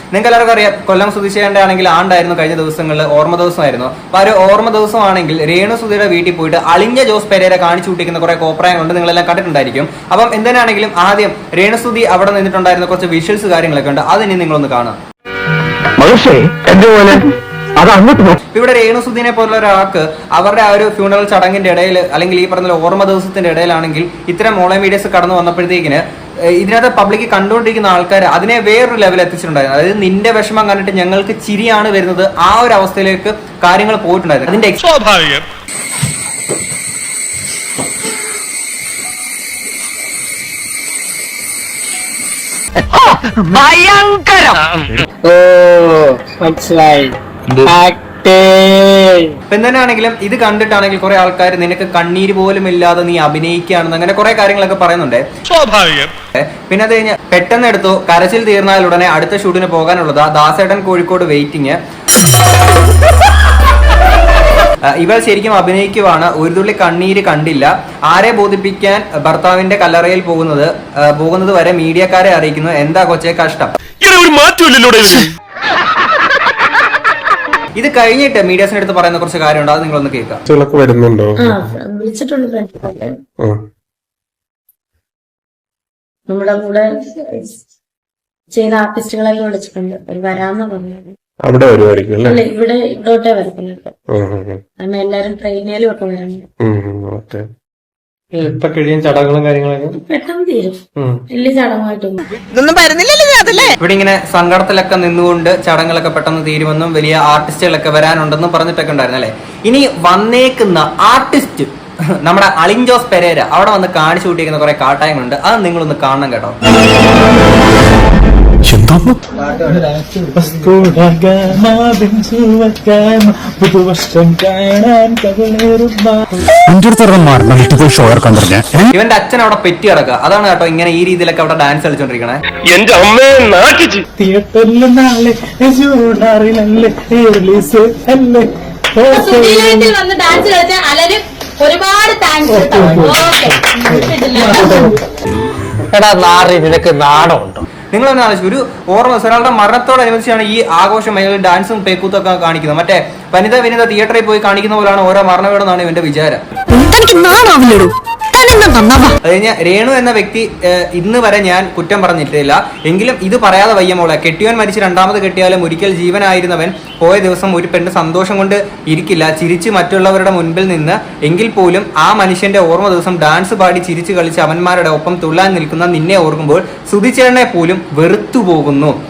നിങ്ങൾക്ക് എല്ലാവർക്കും അറിയാം, കൊല്ലം സുധിച്ചേണ്ട ആണെങ്കിൽ ആണ്ടായിരുന്നു കഴിഞ്ഞ ദിവസങ്ങളിൽ, ഓർമ്മ ദിവസമായിരുന്നു. അപ്പൊ ആ ഒരു ഓർമ്മ ദിവസമാണെങ്കിൽ രേണുസുധിയുടെ വീട്ടിൽ പോയിട്ട് അളിഞ്ഞ ജോസ് പെരേര കാണിച്ചു കൂട്ടിക്കുന്ന കുറെ കോപ്രായങ്ങളുണ്ട്, നിങ്ങളെല്ലാം കണ്ടിട്ടുണ്ടായിരിക്കും. അപ്പം എന്തിനാണെങ്കിലും ആദ്യം രേണുസുധി അവിടെ നിന്നിട്ടുണ്ടായിരുന്ന കുറച്ച് വിഷ്വൽസ് കാര്യങ്ങളൊക്കെ ഉണ്ട്, അതിനി നിങ്ങളൊന്ന് കാണാം. ഇവിടെ രേണുസുധിനെ പോലുള്ള ഒരാൾക്ക് അവരുടെ ആ ഒരു ഫ്യൂണറൽ ചടങ്ങിന്റെ ഇടയിൽ അല്ലെങ്കിൽ ഈ പറഞ്ഞ ഓർമ്മ ദിവസത്തിന്റെ ഇടയിലാണെങ്കിൽ ഇത്തരം ഓൺലൈൻ മീഡിയസ് കടന്നു വന്നപ്പോഴത്തേക്കിന് ഇതിനകത്ത് പബ്ലിക് കണ്ടുകൊണ്ടിരിക്കുന്ന ആൾക്കാർ അതിനെ വേറൊരു ലെവൽ എത്തിച്ചിട്ടുണ്ടായിരുന്നു. അതായത് നിന്റെ വിഷമം കണ്ടിട്ട് ഞങ്ങൾക്ക് ചിരിയാണ് വരുന്നത്, ആ ഒരു അവസ്ഥയിലേക്ക് കാര്യങ്ങൾ പോയിട്ടുണ്ടായിരുന്നു. അതിന്റെ എന്തിനാണെങ്കിലും ഇത് കണ്ടിട്ടാണെങ്കിൽ കുറെ ആൾക്കാർ നിനക്ക് കണ്ണീര് പോലും ഇല്ലാതെ നീ അഭിനയിക്കുകയാണെന്ന് അങ്ങനെ കുറെ കാര്യങ്ങളൊക്കെ പറയുന്നുണ്ട്. സ്വാഭാവികം. പിന്നെ അത് കഴിഞ്ഞ് പെട്ടെന്ന് എടുത്തു കരച്ചിൽ തീർന്നാൽ ഉടനെ അടുത്ത ഷൂട്ടിന് പോകാനുള്ളതാ. ദാസേട്ടൻ കോഴിക്കോട് വെയിറ്റിംഗ്. ഇവൾ ശരിക്കും അഭിനയിക്കുവാണ്, ഒരു തുള്ളി കണ്ണീര് കണ്ടില്ല. ആരെ ബോധിപ്പിക്കാൻ ഭർത്താവിന്റെ കല്ലറയിൽ പോകുന്നത് വരെ മീഡിയക്കാരെ അറിയിക്കുന്നു. എന്താ കൊച്ചേ കഷ്ടം. ഇത് കഴിഞ്ഞിട്ട് മീഡിയസിന്റെ അടുത്ത് പറയുന്ന കുറച്ച് കാര്യമുണ്ട്, അത് നിങ്ങളൊന്ന് കേൾക്കാം. വരുന്നുണ്ടോ? നമ്മുടെ കൂടെ ചെയ്ത ആർട്ടിസ്റ്റുകളെല്ലാം വിളിച്ചിട്ടുണ്ട്, വരാന്ന് പറഞ്ഞത്. അവിടെ വരുമായിരിക്കും അല്ലേ? ഇവിടെ ഇവിടോട്ടേ വരുന്നുണ്ട്. കാരണം എല്ലാരും ട്രെയിനിലും ഒക്കെ വരുന്നുണ്ട്. ഇപ്പൊ കഴിയും ചടങ്ങുകളും കാര്യങ്ങളൊക്കെ പെട്ടെന്ന് തീരും, വലിയ ചടങ്ങായിട്ടൊന്നും ഇവിടെ ഇങ്ങനെ സങ്കടത്തിലൊക്കെ നിന്നുകൊണ്ട് ചടങ്ങുകളൊക്കെ പെട്ടെന്ന് തീരുമെന്നും വലിയ ആർട്ടിസ്റ്റുകളൊക്കെ വരാനുണ്ടെന്നും പറഞ്ഞിട്ടൊക്കെ ഉണ്ടായിരുന്നു അല്ലെ. ഇനി വന്നേക്കുന്ന ആർട്ടിസ്റ്റ് നമ്മുടെ അളിൻ ജോസ് പെരേര അവിടെ വന്ന് കാണിച്ചു കൂട്ടിയിരിക്കുന്ന കുറെ കാട്ടായങ്ങളുണ്ട്, അത് നിങ്ങളൊന്ന് കാണണം കേട്ടോ. ഇവന്റെ അച്ഛൻ അവിടെ പെറ്റി കിടക്കുക, അതാണ് കേട്ടോ ഇങ്ങനെ ഈ രീതിയിലൊക്കെ അവിടെ ഡാൻസ് കളിച്ചോണ്ടിരിക്കണേ. ഒരുപാട് നിനക്ക് നാണമുണ്ടോ? നിങ്ങളൊന്ന് ആലോചിച്ചു, ഒരു ഓർമ്മ ഒരാളുടെ മരണത്തോടനുബന്ധിച്ചാണ് ഈ ആഘോഷം അല്ലെങ്കിൽ ഡാൻസും പേക്കൂത്തും ഒക്കെ കാണിക്കുന്നത്. മറ്റേ വനിത തിയേറ്ററിൽ പോയി കാണിക്കുന്ന പോലെയാണ് ഓരോ മരണവേടെന്നാണ് ഇവന്റെ വിചാരം. അത് കഴിഞ്ഞ രേണു എന്ന വ്യക്തി ഇന്ന് വരെ ഞാൻ കുറ്റം പറഞ്ഞിട്ടില്ല, എങ്കിലും ഇത് പറയാതെ വയ്യ മോളെ. കെട്ടിയവൻ മരിച്ച് രണ്ടാമത് കെട്ടിയാലും ഒരിക്കൽ ജീവനായിരുന്നവൻ പോയ ദിവസം ഒരു പെണ്ണ് സന്തോഷം കൊണ്ട് ഇരിക്കില്ല, ചിരിച്ച് മറ്റുള്ളവരുടെ മുൻപിൽ നിന്ന്. എങ്കിൽ പോലും ആ മനുഷ്യന്റെ ഓർമ്മ ദിവസം ഡാൻസ് പാടി ചിരിച്ചു കളിച്ച് അവന്മാരുടെ ഒപ്പം തുള്ളാൻ നിൽക്കുന്ന നിന്നെ ഓർക്കുമ്പോൾ സുധിച്ചേട്ടനെ പോലും വെറുത്തു പോകുന്നു.